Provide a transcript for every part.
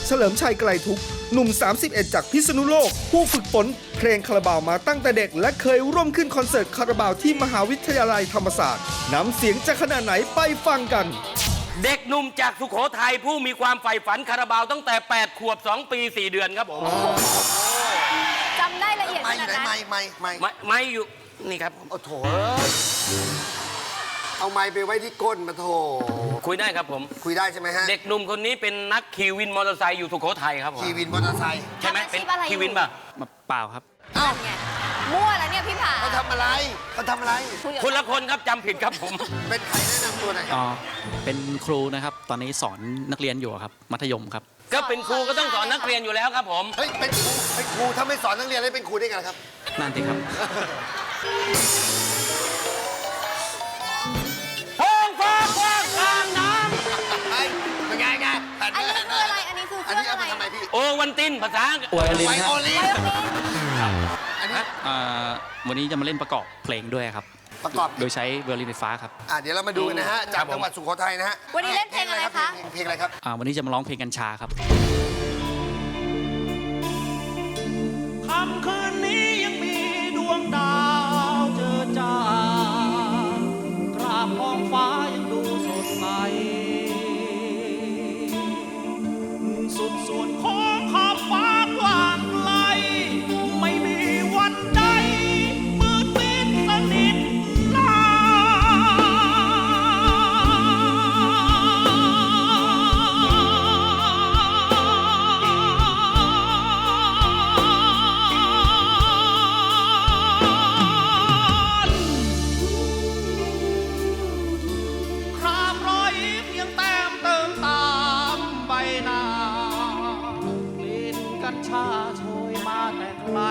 เฉลิมชัยไกลทุกข์หนุ่ม 31 จากพิษณุโลก ผู้ฝึกฝนเพลงคาราบาวมาตั้งแต่เด็กและเคยร่วมขึ้นคอนเสิร์ตคาราบาวที่มหาวิทยาลัยธรรมศาสตร์น้ำเสียงจะขนาดไหนไปฟังกันเด็กหนุ่มจากสุโขทัยผู้มีความใฝ่ฝันคาราบาวตั้งแต่ 8 ขวบ 2 ปี 4 เดือนครับผมจำได้ละเอียดขนาดนั้นไม่อยู่นี่ครับโอ้โถเอาไม้ไปไว้ที่ก้นมาโถคุยได้ครับผมคุยได้ใช่ไหมฮะเด็กหนุ่มคนนี้เป็นนักขี่วินมอเตอร์ไซค์อยู่สุโขทัยครับผมขี่วินมอเตอร์ไซค์ใช่ไหมเป็นขี่วินป่ะเปล่าครับเอ้าไงมั่วแล้วเนี่ยพี่ผาเขาทำอะไรเขาทำอะไรคนละคนครับจำผิดครับผมเป็นใครแนะนำตัวหน่อยอ๋อ เป็นครูนะครับ ตอนนี้สอนนักเรียนอยู่ครับ มัธยมครับก็เป็นครูก็ต้องสอนนักเรียนอยู่แล้วครับผมเฮ้ยเป็นครูถ้าไม่สอนนักเรียนได้เป็นครูได้ไงครับนั่นสิครับท้องฟ้ากว้างกลางน้เป็นไงไงแผ่นอันนี้แผ่คืออะไร อันนี้คือเคอันรื่อนี้งเอาอะไรมาทำไมพี่ำโอวันตินภาษาอวยลินไวครับโอลินไวโอลินอันนี้วันนี้จะมาเล่นประกอบเพลงด้วยครับประกอบโดยใช้ไวโอลินไฟฟ้าครับเดี๋ยวเรามาดูกันนะฮะจากจังหวัดสุโขทัยนะฮะวันนี้เล่นเพลงอะไรคะเพลงอะไรครับวันนี้จะมาร้องเพลงกัญชาครับค่ำคืนนี้ยังมีดวงดาวเจอจ้ากราบท้องฟ้ายังดูสดใสสุดส่วนของขอบฟ้ากว้างไกลไม่มีวันใดมืดมิดสนิทลาครามรอยยิ้มยังแต้มเติมตามใบหน้ากลิ่นกัญชาโชยมาแต่ไกล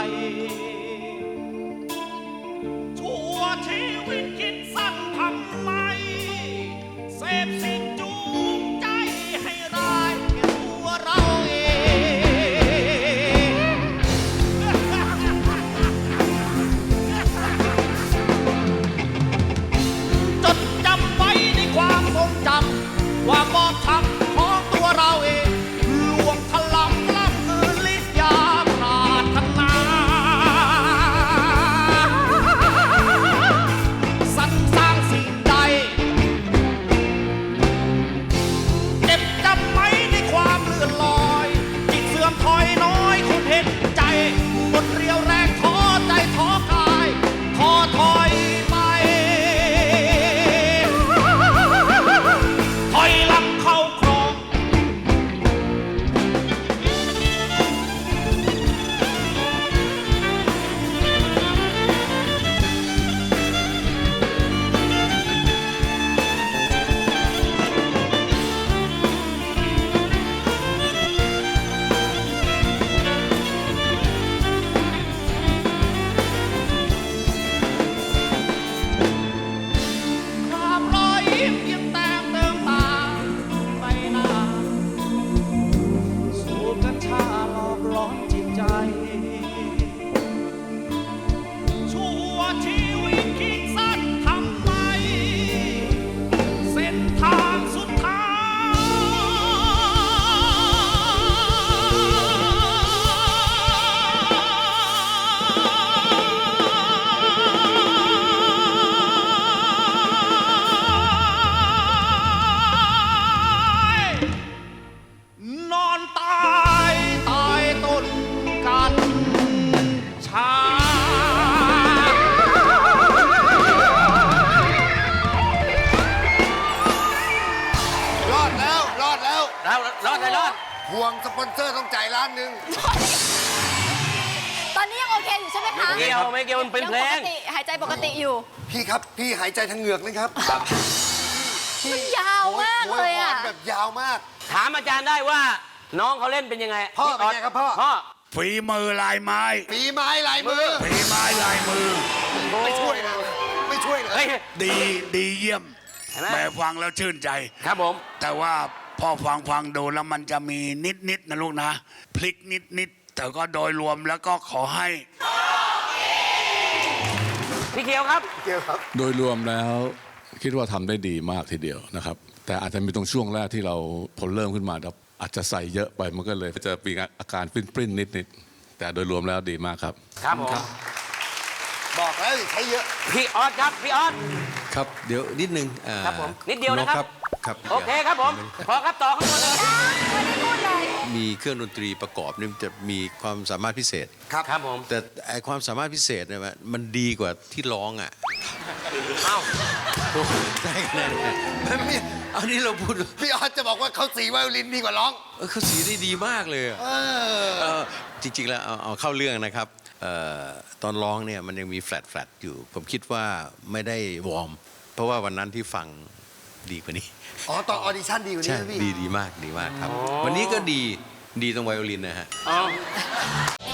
ชั่วชีวิตคิดสั้นทำไมเสพสิ่งจูงใจให้ร้ายแก่ตัวเราเอง จดจำไว้ในความทรงจำว่าบอบช้ำของตัวเราเองลวงถลำล้ำเกินลิศยาปรารถนาสรรสร้างสิ่งใดเจ็บจำไว้ในความเลื่อนลอยจิตเสื่อมถอยน้อยคงเห็นใจหมดเรี่ยวแรงท้อใจท้อกายท้อถอยไป ถอยหลังเข้าครอง ความรอยยิ้มยังแต้มเติมตาใบหน้าสูบกัญชาหลอกหลอนจิตใจ ชั่วชีวิตคิดสั้นทำไม เส้นทางสุดท้ายนอนตายใต้ต้นกัญชารอดแล้วรอดแล้วแล้วรอดได้รอดห่วงสปอนเซอร์ต้องจ่าย1,000,000 ตอนนี้ยังโอเคอยู่ใช่ไหมคะไม่เกี่ยวมันเป็นเพลงยังปกติหายใจปกติอยู่พี่ครับพี่หายใจทางเหงือกนะครับมันยาวมากเลยโหอ่ะแบบยาวมากถามอาจารย์ได้ว่าน้องเขาเล่นเป็นยังไงพ่อเป็นไงครับพ่อพ่อฝีมือลายไม้ฝีไม้ลายมือฝีไม้ลายมือไม่ช่วยเลยไม่ช่วยเลยเฮ้ยดีเยี่ยมเห็นไหมแม่ฟังแล้วชื่นใจครับผมแต่ว่าพ่อฟังดูแล้วมันจะมีนิดนะลูกนะ พลิกนิดแต่ก็โดยรวมแล้วก็ขอให้พี่เขียวครับเกี่ยวครับโดยรวมแล้วคิดว่าทำได้ดีมากทีเดียวนะครับ แต่อาจจะมีตรงช่วงแรกที่เราพอเริ่มขึ้นมาแล้วอาจจะใส่เยอะไปมันก็เลยจะมีอาการปริ้นๆนิดๆแต่โดยรวมแล้วดีมากครับครับผมบอกแล้วอย่าใช้เยอะพี่ออสครับพี่ออสครับเดี๋ยวนิดนึงครับผมนิดเดียวนะครับครับโอเคครับผมพอครับต่อข้างบนเลยไม่ได้พูดเลยมีเครื่องดนตรีประกอบนี่มันจะมีความสามารถพิเศษครับผมแต่ไอความสามารถพิเศษเนี่ยมันดีกว่าที่ร้องอ่ะเอ้าโอ้โหได้คะแนนไม่อันนี้เราพูดพี่ออสจะบอกว่าเขาสีไวโอลินดีกว่าร้องเขาสีได้ดีมากเลยอะจริงๆแล้วเอาเข้าเรื่องนะครับตอนร้องเนี่ยมันยังมีแฟลตอยู่ ผมคิดว่าไม่ได้วอร์มเพราะว่าวันนั้นที่ฟังดีกว่านี้อ๋อ ตอนออดิชั่นดีกว่านี้ใช่นะพี่ดีมากครับ วันนี้ก็ดีตรงไวโอลินนะฮะอ๋อ